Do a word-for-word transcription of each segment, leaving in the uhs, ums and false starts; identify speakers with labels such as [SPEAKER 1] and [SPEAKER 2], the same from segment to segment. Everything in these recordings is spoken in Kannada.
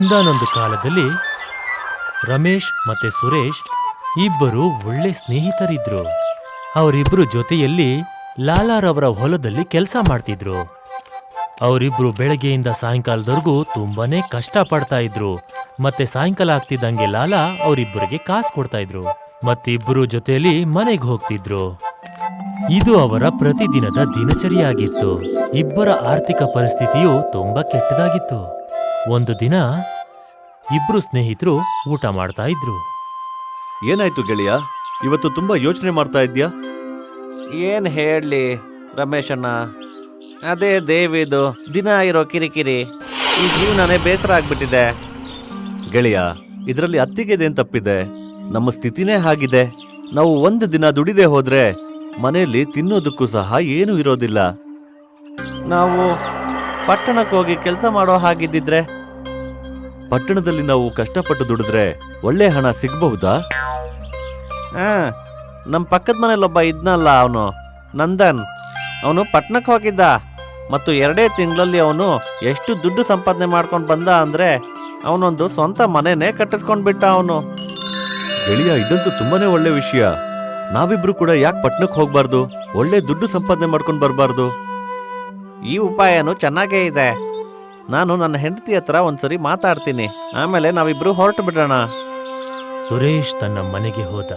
[SPEAKER 1] ಒಂದಾನೊಂದು ಕಾಲದಲ್ಲಿ ರಮೇಶ್ ಮತ್ತೆ ಸುರೇಶ್ ಇಬ್ಬರು ಒಳ್ಳೆ ಸ್ನೇಹಿತರಿದ್ರು. ಅವರಿಬ್ರು ಜೊತೆಯಲ್ಲಿ ಲಾಲಾರವರ ಹೊಲದಲ್ಲಿ ಕೆಲಸ ಮಾಡ್ತಿದ್ರು. ಅವರಿಬ್ರು ಬೆಳಗ್ಗೆಯಿಂದ ಸಾಯಂಕಾಲದವರೆಗೂ ತುಂಬಾನೇ ಕಷ್ಟ ಪಡ್ತಾ ಇದ್ರು. ಮತ್ತೆ ಸಾಯಂಕಾಲ ಆಗ್ತಿದ್ದಂಗೆ ಲಾಲಾ ಅವರಿಬ್ಬರಿಗೆ ಕಾಸು ಕೊಡ್ತಾ ಇದ್ರು. ಮತ್ತಿಬ್ಬರು ಜೊತೆಯಲ್ಲಿ ಮನೆಗೆ ಹೋಗ್ತಿದ್ರು. ಇದು ಅವರ ಪ್ರತಿದಿನದ ದಿನಚರಿಯಾಗಿತ್ತು. ಇಬ್ಬರ ಆರ್ಥಿಕ ಪರಿಸ್ಥಿತಿಯು ತುಂಬಾ ಕೆಟ್ಟದಾಗಿತ್ತು. ಒಂದು ದಿನ ಇಬ್ರು ಸ್ನೇಹಿತರು ಊಟ ಮಾಡ್ತಾ ಇದ್ರು.
[SPEAKER 2] ಏನಾಯ್ತು ಗೆಳೆಯ, ಇವತ್ತು ತುಂಬಾ ಯೋಚನೆ ಮಾಡ್ತಾ ಇದ್ಯಾ?
[SPEAKER 3] ಏನ್ ಹೇಳಲಿ ರಮೇಶಣ್ಣ, ಅದೇ ದೇವಿದು ದಿನ ಇರೋ ಕಿರಿಕಿರಿ, ಈ ಜೀವನನೇ ಬೇಸರ ಆಗ್ಬಿಟ್ಟಿದೆ.
[SPEAKER 2] ಗೆಳೆಯ, ಇದರಲ್ಲಿ ಅತ್ತಿಗೆದೇನ್ ತಪ್ಪಿದೆ? ನಮ್ಮ ಸ್ಥಿತಿನೇ ಹಾಗಿದೆ. ನಾವು ಒಂದು ದಿನ ದುಡಿದೆ ಹೋದ್ರೆ ಮನೆಯಲ್ಲಿ ತಿನ್ನೋದಕ್ಕೂ ಸಹ ಏನೂ ಇರೋದಿಲ್ಲ.
[SPEAKER 3] ನಾವು ಪಟ್ಟಣಕ್ಕೆ ಹೋಗಿ ಕೆಲಸ ಮಾಡೋ ಹಾಗಿದ್ದಿದ್ರೆ?
[SPEAKER 2] ಪಟ್ಟಣದಲ್ಲಿ ನಾವು ಕಷ್ಟಪಟ್ಟು ದುಡಿದ್ರೆ ಒಳ್ಳೆ ಹಣ ಸಿಗ್ಬಹುದಾ?
[SPEAKER 3] ಹಾ, ನಮ್ಮ ಪಕ್ಕದ ಮನೇಲೊಬ್ಬ ಇದ್ನಲ್ಲ, ಅವನು ನಂದನ್. ಅವನು ಪಟ್ಟಣಕ್ಕೆ ಹೋಗಿದ್ದ ಮತ್ತು ಎರಡೇ ತಿಂಗಳಲ್ಲಿ ಅವನು ಎಷ್ಟು ದುಡ್ಡು ಸಂಪಾದನೆ ಮಾಡ್ಕೊಂಡು ಬಂದ ಅಂದ್ರೆ ಅವನೊಂದು ಸ್ವಂತ ಮನೆನೇ ಕಟ್ಟಿಸ್ಕೊಂಡ್ಬಿಟ್ಟ ಅವನು.
[SPEAKER 2] ಗೆಳೆಯ, ಇದಂತೂ ತುಂಬಾನೇ ಒಳ್ಳೆ ವಿಷಯ. ನಾವಿಬ್ರು ಕೂಡ ಯಾಕೆ ಪಟ್ಟಣಕ್ಕೆ ಹೋಗ್ಬಾರ್ದು? ಒಳ್ಳೆ ದುಡ್ಡು ಸಂಪಾದನೆ ಮಾಡ್ಕೊಂಡು ಬರ್ಬಾರ್ದು?
[SPEAKER 3] ಈ ಉಪಾಯನೂ ಚೆನ್ನಾಗೇ ಇದೆ. ನಾನು ನನ್ನ ಹೆಂಡತಿ ಹತ್ರ ಒಂದ್ಸರಿ ಮಾತಾಡ್ತೀನಿ, ಆಮೇಲೆ ನಾವಿಬ್ರು ಹೊರಟು ಬಿಡೋಣ.
[SPEAKER 1] ಸುರೇಶ್ ತನ್ನ ಮನೆಗೆ ಹೋದ.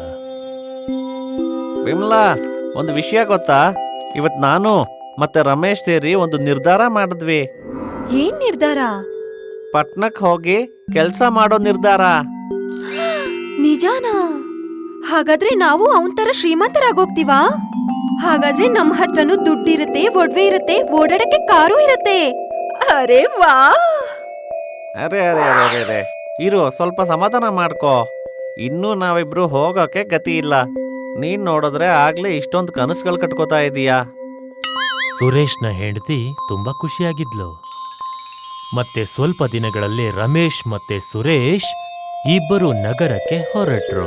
[SPEAKER 3] ವಿಮಲಾ, ಒಂದು ವಿಷಯ ಗೊತ್ತಾ? ಇವತ್ ನಾನು ಮತ್ತೆ ರಮೇಶ್ ಸೇರಿ ಒಂದು ನಿರ್ಧಾರ ಮಾಡಿದ್ವಿ.
[SPEAKER 4] ಏನ್ ನಿರ್ಧಾರ?
[SPEAKER 3] ಪಟ್ನಕ್ ಹೋಗಿ ಕೆಲ್ಸ ಮಾಡೋ ನಿರ್ಧಾರ.
[SPEAKER 4] ನಿಜಾನಾ? ಹಾಗಾದ್ರೆ ನಾವು ಅವನ್ ತರ ಶ್ರೀಮಂತರಾಗೋಗ್ತೀವಾ? ಹಾಗಾದ್ರೆ ನಮ್ ಹತ್ರನೂ ದುಡ್ಡಿರುತ್ತೆ, ಒಡವೆ ಇರುತ್ತೆ, ಓಡಾಡಕ್ಕೆ ಕಾರು ಇರುತ್ತೆ. ಅರೆ ವಾ!
[SPEAKER 3] ಅರೆ ಅರೆ ಅರೆ ಅರೆ ಅರೆ ಇರು, ಸ್ವಲ್ಪ ಸಮಾಧಾನ ಮಾಡ್ಕೋ. ಇನ್ನೂ ನಾವಿಬ್ರು ಹೋಗೋಕೆ ಗತಿ ಇಲ್ಲ. ನೀನ್ ನೋಡಿದ್ರೆ ಆಗ್ಲೇ ಇಷ್ಟೊಂದು ಕನಸುಗಳು ಕಟ್ಕೋತಾ ಇದೀಯಾ.
[SPEAKER 1] ಸುರೇಶ್ನ ಹೆಂಡತಿ ತುಂಬಾ ಖುಷಿಯಾಗಿದ್ಲು. ಮತ್ತೆ ಸ್ವಲ್ಪ ದಿನಗಳಲ್ಲಿ ರಮೇಶ್ ಮತ್ತೆ ಸುರೇಶ್ ಇಬ್ಬರು ನಗರಕ್ಕೆ ಹೊರಟ್ರು.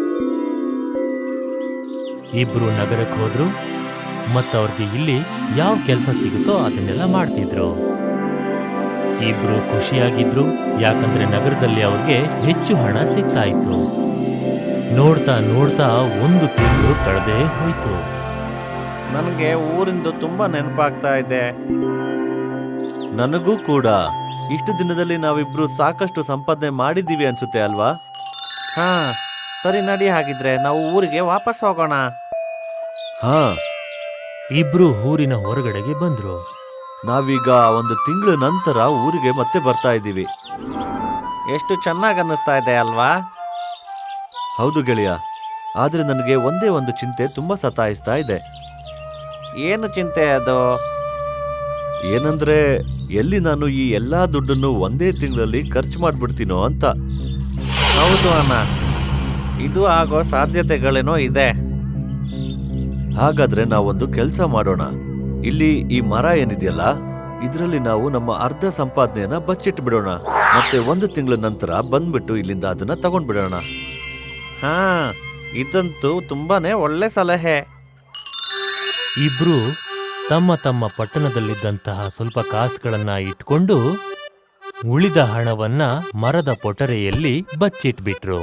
[SPEAKER 1] ಇಬ್ರು ನಗರಕ್ಕೆ ಹೋದ್ರು ಮತ್ತವ್ರಿಗೆ ಇಲ್ಲಿ ಯಾವ ಕೆಲಸ ಸಿಗುತ್ತೋ ಅದನ್ನೆಲ್ಲ ಮಾಡ್ತಿದ್ರು. ಇಬ್ರು ಖುಷಿಯಾಗಿದ್ರು, ಯಾಕಂದ್ರೆ ನಗರದಲ್ಲಿ ಅವ್ರಿಗೆ ಹೆಚ್ಚು ಹಣ ಸಿಗ್ತಾ ಇತ್ತು. ನೋಡ್ತಾ ನೋಡ್ತಾ ಒಂದು ತಿಂಗಳು ಕಳೆದೇ ಹೋಯ್ತು.
[SPEAKER 3] ನನಗೆ ಊರಿಂದು ತುಂಬಾ ನೆನಪಾಗ್ತಾ ಇದೆ.
[SPEAKER 2] ನನಗೂ ಕೂಡ. ಇಷ್ಟು ದಿನದಲ್ಲಿ ನಾವಿಬ್ರು ಸಾಕಷ್ಟು ಸಂಪಾದನೆ ಮಾಡಿದ್ದೀವಿ ಅನ್ಸುತ್ತೆ ಅಲ್ವಾ?
[SPEAKER 3] ಹಾ, ಸರಿ ನಡಿ, ಹಾಗಿದ್ರೆ ನಾವು ಊರಿಗೆ ವಾಪಸ್ ಹೋಗೋಣ.
[SPEAKER 2] ಹಾ,
[SPEAKER 1] ಇಬ್ರು ಊರಿನ ಹೊರಗಡೆಗೆ ಬಂದ್ರು.
[SPEAKER 2] ನಾವೀಗ ಒಂದು ತಿಂಗಳ ನಂತರ ಊರಿಗೆ ಮತ್ತೆ ಬರ್ತಾ ಇದ್ದೀವಿ.
[SPEAKER 3] ಎಷ್ಟು ಚೆನ್ನಾಗಿ ಅನ್ನಿಸ್ತಾ ಇದೆ ಅಲ್ವಾ?
[SPEAKER 2] ಹೌದು ಗೆಳೆಯ, ಆದ್ರೆ ನನಗೆ ಒಂದೇ ಒಂದು ಚಿಂತೆ ತುಂಬಾ ಸತಾಯಿಸ್ತಾ ಇದೆ.
[SPEAKER 3] ಏನು ಚಿಂತೆ ಅದು?
[SPEAKER 2] ಏನಂದ್ರೆ, ಎಲ್ಲಿ ನಾನು ಈ ಎಲ್ಲಾ ದುಡ್ಡನ್ನು ಒಂದೇ ತಿಂಗಳಲ್ಲಿ ಖರ್ಚು ಮಾಡ್ಬಿಡ್ತೀನೋ ಅಂತ.
[SPEAKER 3] ಹೌದು ಅಣ್ಣ, ಇದು ಆಗೋ ಸಾಧ್ಯತೆಗಳೇನೋ ಇದೆ.
[SPEAKER 2] ಹಾಗಾದ್ರೆ ನಾವೊಂದು ಕೆಲಸ ಮಾಡೋಣ. ಇಲ್ಲಿ ಈ ಮರ ಏನಿದೆಯಲ್ಲ, ಇದರಲ್ಲಿ ನಾವು ನಮ್ಮ ಅರ್ಧ ಸಂಪಾದನೆಯನ್ನ ಬಚ್ಚಿಟ್ಟು ಬಿಡೋಣ. ಮತ್ತೆ ಒಂದು ತಿಂಗಳ ನಂತರ ಬಂದ್ಬಿಟ್ಟು ಇಲ್ಲಿಂದ ಅದನ್ನ ತಗೊಂಡ್ಬಿಡೋಣ.
[SPEAKER 3] ಹಾ, ಇದಂತೂ ತುಂಬಾನೇ ಒಳ್ಳೆ ಸಲಹೆ.
[SPEAKER 1] ಇಬ್ರು ತಮ್ಮ ತಮ್ಮ ಪಟ್ಟಣದಲ್ಲಿದ್ದಂತಹ ಸ್ವಲ್ಪ ಕಾಸುಗಳನ್ನ ಇಟ್ಕೊಂಡು ಉಳಿದ ಹಣವನ್ನ ಮರದ ಪೊಟರೆಯಲ್ಲಿ ಬಚ್ಚಿಟ್ಬಿಟ್ರು.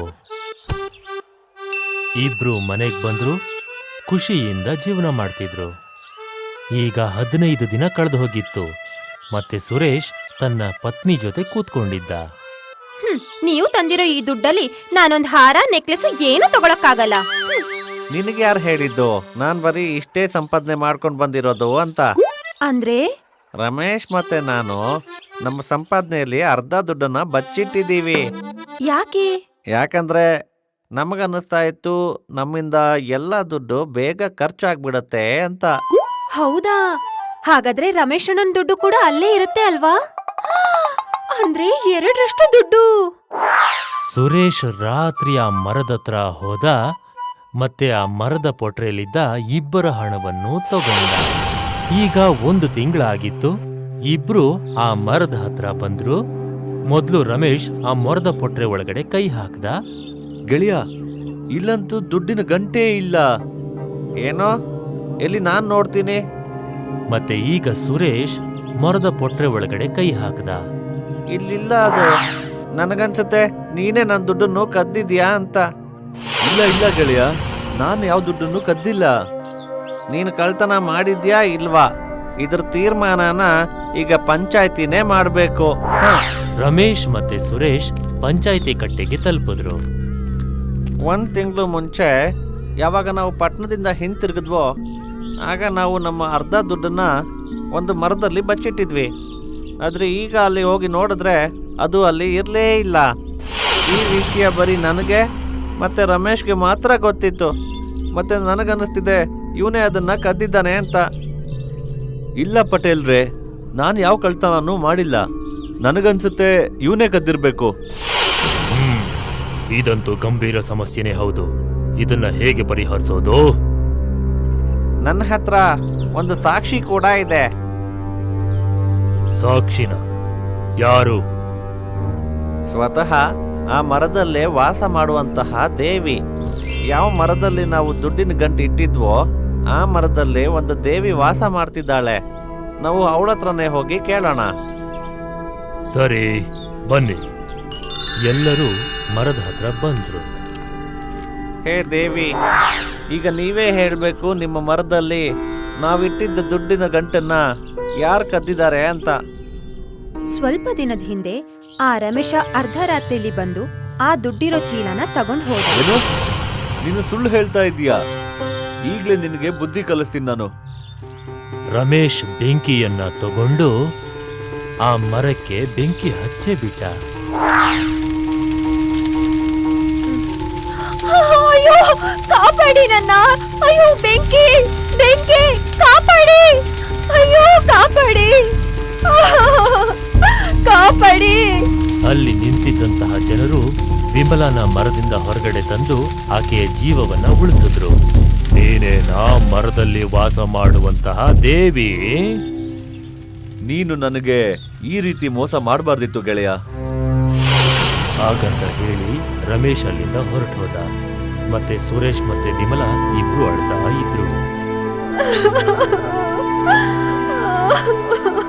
[SPEAKER 1] ಇಬ್ರು ಮನೆಗ್ ಬಂದ್ರು, ಖುಷಿಯಿಂದ ಜೀವನ ಮಾಡ್ತಿದ್ರು. ಈಗ ಹದಿನೈದು ದಿನ ಕಳೆದು ಹೋಗಿತ್ತು. ಮತ್ತೆ ಸುರೇಶ್ ತನ್ನ ಪತ್ನಿ ಜೊತೆ ಕೂತ್ಕೊಂಡಿದ್ದ.
[SPEAKER 4] ಹ್ಮ್, ನೀವು ತಂದಿರೋ ಈ ದುಡ್ಡಲ್ಲಿ ನಾನೊಂದ್ ಹಾರ, ನೆಕ್ಲೆಸ್ ಏನು ತಗೊಳಕ್ಕಾಗಲ್ಲ.
[SPEAKER 3] ನಿನಗೆ ಯಾರು ಹೇಳಿದ್ದು ನಾನ್ ಬರೀ ಇಷ್ಟೇ ಸಂಪಾದನೆ ಮಾಡ್ಕೊಂಡು ಬಂದಿರೋದು ಅಂತ?
[SPEAKER 4] ಅಂದ್ರೆ
[SPEAKER 3] ರಮೇಶ್ ಮತ್ತೆ ನಾನು ನಮ್ಮ ಸಂಪಾದನೆಯಲ್ಲಿ ಅರ್ಧ ದುಡ್ಡನ್ನ ಬಚ್ಚಿಟ್ಟಿದ್ದೀವಿ.
[SPEAKER 4] ಯಾಕೆ?
[SPEAKER 3] ಯಾಕಂದ್ರೆ ನಮಗನ್ನಿಸ್ತಾ ಇತ್ತು ನಮ್ಮಿಂದ ಎಲ್ಲ ದುಡ್ಡು ಬೇಗ ಖರ್ಚಾಗ್ಬಿಡತ್ತೆ ಅಂತ.
[SPEAKER 4] ಹೌದಾ? ಹಾಗಾದ್ರೆ ರಮೇಶ್ ಅಣ್ಣನ್ ದುಡ್ಡು ಕೂಡ ಅಲ್ಲೇ ಇರುತ್ತೆ ಅಲ್ವಾ? ಅಂದ್ರೆ ಎರಡರಷ್ಟು ದುಡ್ಡು.
[SPEAKER 1] ಸುರೇಶ್ ರಾತ್ರಿ ಆ ಮರದತ್ರ ಹೋದ ಮತ್ತೆ ಆ ಮರದ ಪೊಟ್ರೆಯಲ್ಲಿದ್ದ ಇಬ್ಬರ ಹಣವನ್ನು ತಗೊಂಡ. ಈಗ ಒಂದು ತಿಂಗಳಾಗಿತ್ತು. ಇಬ್ರು ಆ ಮರದ ಹತ್ರ ಬಂದ್ರು. ಮೊದ್ಲು ರಮೇಶ್ ಆ ಮರದ ಪೊಟ್ರೆ ಒಳಗಡೆ ಕೈ ಹಾಕ್ದ.
[SPEAKER 2] ಗೆಳೆಯ, ಇಲ್ಲಂತೂ ದುಡ್ಡಿನ ಗಂಟೆ ಇಲ್ಲ.
[SPEAKER 3] ಏನೋ, ಎಲ್ಲಿ ನಾನ್ ನೋಡ್ತೀನಿ?
[SPEAKER 1] ಮತ್ತೆ ಈಗ ಸುರೇಶ್ ಮರದ ಪೊಟ್ರೆ ಒಳಗಡೆ ಕೈ ಹಾಕ್ದ.
[SPEAKER 3] ಇಲ್ಲಿಲ್ಲ ಅದು. ನನಗನ್ಸುತ್ತೆ ನೀನೇ ನನ್ನ ದುಡ್ಡನ್ನು ಕದ್ದಿದ್ಯಾ ಅಂತ.
[SPEAKER 2] ಇಲ್ಲ ಇಲ್ಲ ಗೆಳೆಯ, ನಾನು ಯಾವ ದುಡ್ಡನ್ನು ಕದ್ದಿಲ್ಲ.
[SPEAKER 3] ನೀನು ಕಳ್ತನ ಮಾಡಿದ್ಯಾ ಇಲ್ವಾ ಇದ್ರ ತೀರ್ಮಾನನ ಈಗ ಪಂಚಾಯ್ತಿನೇ ಮಾಡ್ಬೇಕು. ಹ.
[SPEAKER 1] ರಮೇಶ್ ಮತ್ತೆ ಸುರೇಶ್ ಪಂಚಾಯಿತಿ ಕಟ್ಟೆಗೆ ತಲುಪಿದ್ರು.
[SPEAKER 3] ಒಂದ್ ತಿಂಗಳು ಮುಂಚೆ ಯಾವಾಗ ನಾವು ಪಟ್ಟಣದಿಂದ ಹಿಂತಿರುಗಿದ್ವೋ ಆಗ ನಾವು ನಮ್ಮ ಅರ್ಧ ದುಡ್ಡನ್ನ ಒಂದು ಮರದಲ್ಲಿ ಬಚ್ಚಿಟ್ಟಿದ್ವಿ. ಆದ್ರೆ ಈಗ ಅಲ್ಲಿ ಹೋಗಿ ನೋಡಿದ್ರೆ ಅದು ಅಲ್ಲಿ ಇರಲೇ ಇಲ್ಲ. ಈ ವಿಷಯ ಬರೀ ನನಗೆ ಮತ್ತೆ ರಮೇಶ್ಗೆ ಮಾತ್ರ ಗೊತ್ತಿತ್ತು. ಮತ್ತೆ ನನಗನ್ನಿಸ್ತಿದೆ ಇವನೇ ಅದನ್ನ ಕದ್ದಿದ್ದಾನೆ ಅಂತ.
[SPEAKER 2] ಇಲ್ಲ ಪಟೇಲ್ರೇ, ನಾನು ಯಾವ ಕಳ್ತನನೂ ಮಾಡಿಲ್ಲ. ನನಗನ್ಸುತ್ತೆ ಇವನೇ ಕದ್ದಿರ್ಬೇಕು.
[SPEAKER 1] ಹ್ಮ್ ಇದಂತೂ ಗಂಭೀರ ಸಮಸ್ಯೆನೇ ಹೌದು. ಇದನ್ನ ಹೇಗೆ ಪರಿಹರಿಸೋದು?
[SPEAKER 3] ನನ್ನ ಹತ್ರ ಒಂದು ಸಾಕ್ಷಿ ಕೂಡ ಇದೆ.
[SPEAKER 1] ಸಾಕ್ಷಿನ? ಯಾರು?
[SPEAKER 3] ಸ್ವತಃ ಆ ಮರದಲ್ಲೇ ವಾಸ ಮಾಡುವಂತಹ ದೇವಿ. ಯಾವ ಮರದಲ್ಲಿ ನಾವು ದುಡ್ಡಿನ ಗಂಟು ಇಟ್ಟಿದ್ವೋ ಆ ಮರದಲ್ಲಿ ಒಂದು ದೇವಿ ವಾಸ ಮಾಡ್ತಿದ್ದಾಳೆ. ನಾವು ಅವಳ ಹತ್ರನೇ ಹೋಗಿ ಕೇಳೋಣ.
[SPEAKER 1] ಸರಿ, ಬನ್ನಿ. ಎಲ್ಲರೂ ಮರದ ಹತ್ರ ಬಂದ್ರು.
[SPEAKER 3] ಹೇ ದೇವಿ, ಈಗ ನೀವೇ ಹೇಳಬೇಕು ನಿಮ್ಮ ಮರದಲ್ಲಿ ನಾವಿಟ್ಟಿದ್ದ ದುಡ್ಡಿನ ಗಂಟನ್ನ ಯಾರು ಕದ್ದಿದ್ದಾರೆ ಅಂತ.
[SPEAKER 4] ಸ್ವಲ್ಪ ದಿನದ ಹಿಂದೆ ಆ ರಮೇಶ ಅರ್ಧರಾತ್ರಿಲಿ ಬಂದು ಆ ದುಡ್ಡಿರೋ ಚೀಲನ ತಗೊಂಡ್ ಹೋದ.
[SPEAKER 2] ಏನು? ನೀನು ಸುಳ್ಳು ಹೇಳ್ತಾ ಇದೀಯಾ? ಈಗ್ಲೇ ನಿನಗೆ ಬುದ್ಧಿ ಕಲಿಸ್ತೀನಿ ನಾನು.
[SPEAKER 1] ರಮೇಶ್ ಬೆಂಕಿಯನ್ನ ತಗೊಂಡು ಆ ಮರಕ್ಕೆ ಬೆಂಕಿ ಹಚ್ಚೇ ಬಿಟ್ಟ.
[SPEAKER 4] ಅಯ್ಯೋ, ಕಾಪಾಡಿ ನನ್ನ! ಅಯ್ಯೋ, ಬೆಂಕಿ ಬೆಂಕಿ ಕಾಪಾಡಿ! ಅಯ್ಯೋ, ಕಾಪಾಡಿ ಕಾಪಾಡಿ!
[SPEAKER 1] ಅಲ್ಲಿ ನಿಂತಿದ್ದಂತಹ ಜನರು ವಿಮಲನ ಮರದಿಂದ ಹೊರಗಡೆ ತಂದು ಆಕೆಯ ಜೀವವನ್ನ ಉಳಿಸಿದ್ರು. ನೀನೇನಾ ಮರದಲ್ಲಿ ವಾಸ ಮಾಡುವಂತಹ ದೇವಿ?
[SPEAKER 2] ನೀನು ನನಗೆ ಈ ರೀತಿ ಮೋಸ ಮಾಡಬಾರ್ದಿತ್ತು ಗೆಳೆಯ.
[SPEAKER 1] ಹಾಗಂತ ಹೇಳಿ ರಮೇಶ್ ಅಲ್ಲಿಂದ ಹೊರಟು ಹೋದ. ಮತ್ತೆ ಸುರೇಶ್ ಮತ್ತೆ ವಿಮಲಾ ಇಬ್ರು ಅಳ್ತಾ ಇದ್ರು.